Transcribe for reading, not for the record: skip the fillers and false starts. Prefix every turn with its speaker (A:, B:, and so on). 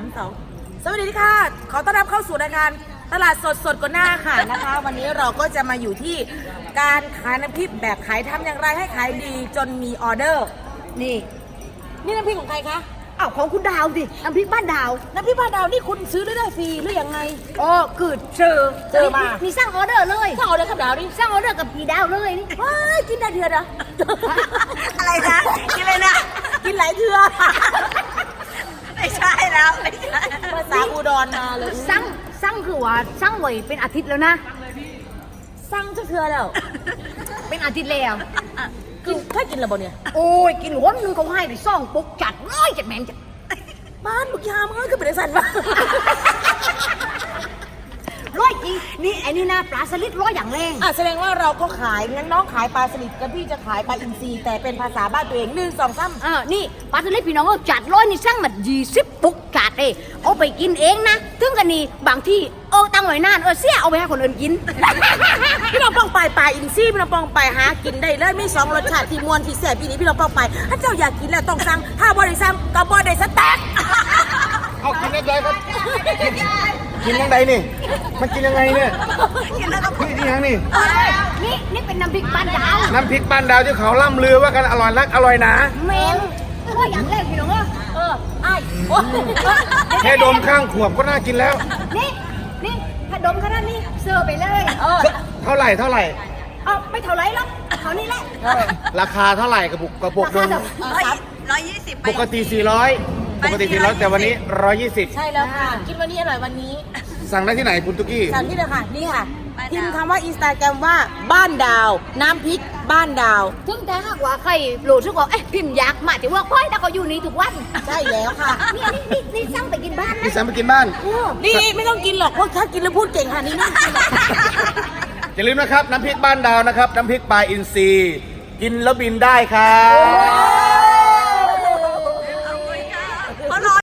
A: 2 สวัสดีค่ะขอต้อนรับเข้าสู่รายการตลาดสดกว่าหน้าค่ะนะคะวันนี้เราก็จะมาอยู่ที่การขายน้ำพริกแบบขายทำอย่างไรให้ขายดีจนมีออเดอร์นี่น้ำพริกของใครคะ
B: อ้าวของคุณดาวดิน้ำพริกบ้านดาว
A: น้ำพริกบ้านดาวนี่คุณซื้อได้ฟรีหรือยังไง
B: อ๋อคือเจอมามีสร้างออเดอร์เลย
A: สร้างออเดอร์กับดาวนี่
B: สร้างออเดอร์กับพี่ดาวเลยนี่
A: ว้ายกินได้เถื่อนะ
B: อะไรนะกินเลยนะ
A: กินหลายเถื่อ
B: ไม่ใช่แล้วไม่ใช่
A: ภาษาอุดรมาเลย
B: สร้างคือว่าสร้างไว้เป็นอาทิตย์แล้วนะ
A: สั่งจะเถื่อแล้ว
B: เป็นอาทิตย์แล้ว
A: กินแค่กินแล้วบ่เนี่ย
B: โอ้ยกินหัวนึงเขาให้ไปซ่องปุ๊กจัดร้อยจัดแมงจัด
A: บ้านลูกยามก็เป็นสันวะ
B: ร้อยจริงนี่ไอ้นี่นะปลาสลิดร้อยอย่างแรง
A: แสดงว่าเราก็ขายงั้นน้องขายปลาสลิดกับพี่จะขายปลาอินทรีแต่เป็นภาษาบ้านตัวเอง1 2 3
B: นี่ปลาสลิดพี่น้องเอาจัดร้อยนี่สร้างมา20ปุ๊กจัดเลยเอาไปกินเองนะถึงกันนี่บางที่ตั้งไว้นานเสียเอาไปให้คนอื่นกิน
A: พี่น้องป้องไปปลาอินทรีพี่น้องป้องไปหากินได้เลยมี2 รสชาติที่มวนที่แซ่บปีนี้พี่น้องป้องไปถ้าเจ้าอยากกินแล้วต้องสั่งถ้าบ่ได้สั่งก็บ่ได้สแต็ก
C: เอากินได้เลยครับกินยังไงนี่มันกินยังไงเนี่ย
B: กินแล้วก็
C: นี่ยังนี่
B: นี่เป็นน้ำพริกบ้านดาว
C: น้ำพริกบ้านดาวที่เขาล่ำลือว่ากันอร่อยนักอร่อยหนา
B: เมนก็อย่างแรกพี่น้อง
C: แค่ดมข้างขวบก็น่ากินแล้ว
B: นี่ถ้าดมขนาดนี้เสิร์ฟไปเลย
C: เท่าไหร่
B: ไม่เท่าไรหรอกเท่านี้แหละ
C: ราคาเท่าไหร่กระปุกนม
B: 120
C: ปกติ400แต่วันนี้120
A: ใช่แล้วค่ะกินวันนี้อร่อยวันนี้
C: สั่งได้ที่ไหนคุณตุ๊กกี้
A: สั่งที่เลยค่ะนี่ค่ะพิมพ์คำว่าอินสตาแกรมว่าบ้านดาวน้ำพริกบ้านดาว
B: ถึงแต่หากว่าใครโหลดทุกคนพิมพ์อยากมาแต่ว่าค่อยถ้าเขาอยู่นี่ทุกวัน
A: ใช่แล้วค่ะ
B: นี่สั่งไปกินบ้านนะ
C: นี่สั่งไปกินบ้าน
A: นี่ไม่ต้องกินหรอกเพราะถ้ากินแล้วพูดเก่งค่ะนี่ไม่กินหรอก
C: อย่าลืมนะครับน้ำพริกบ้านดาวนะครับน้ำพริกปลาอินทรีกินแล้วบินได้ครับ